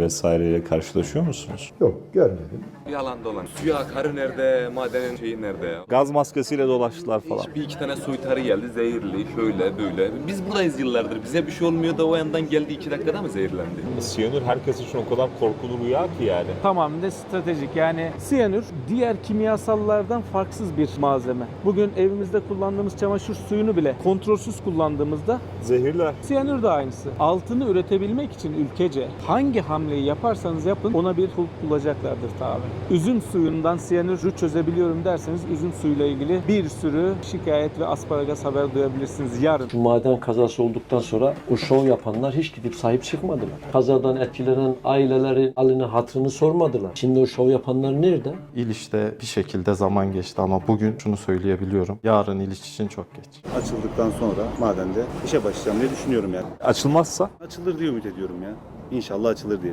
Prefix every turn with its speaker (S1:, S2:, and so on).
S1: vesaireyle karşılaşıyor musunuz?
S2: Yok, görmedim.
S3: Yalan dolan. Suya akarı nerede, madenin şeyi nerede ya?
S1: Gaz maskesiyle dolaştılar falan.
S3: Bir iki tane soytarı geldi, zehirli, şöyle böyle. Biz buradayız yıllardır. Bize bir şey olmuyor da o yandan geldi 2 dakikada mı zehirlendi?
S1: Siyanür herkes için o kadar korkulu rüya ki yani.
S4: Tamamen de stratejik. Yani siyanür diğer kimyasallardan farksız bir malzeme. Bugün evimizde kullandığımız çamaşır suyunu bile kontrolsüz kullandığımızda
S1: Zehirler.
S4: siyanür de aynısı. Altını üretebilmek için ülkece hangi hamleyi yaparsanız yapın ona bir kulp bulacaklardır tabi. Üzüm suyundan siyanürü çözebiliyorum derseniz üzüm suyuyla ilgili bir sürü şikayet ve asparagas haber duyabilirsiniz yarın.
S5: Şu maden kazası olduktan sonra o şov yapanlar hiç gidip sahip çıkmadılar. Kazadan etkilenen ailelerin halini hatırını sormadılar. Şimdi o şov yapanlar nerede?
S6: İliç'te bir şekilde zaman geçti ama bugün şunu söyleyebiliyorum. Yarın İliç için çok geç.
S7: Açıldıktan sonra madende işe başlayacağım diye düşünüyorum yani.
S1: Açılmazsa?
S7: Açılır diye ümit ediyorum ya. İnşallah açılır diye.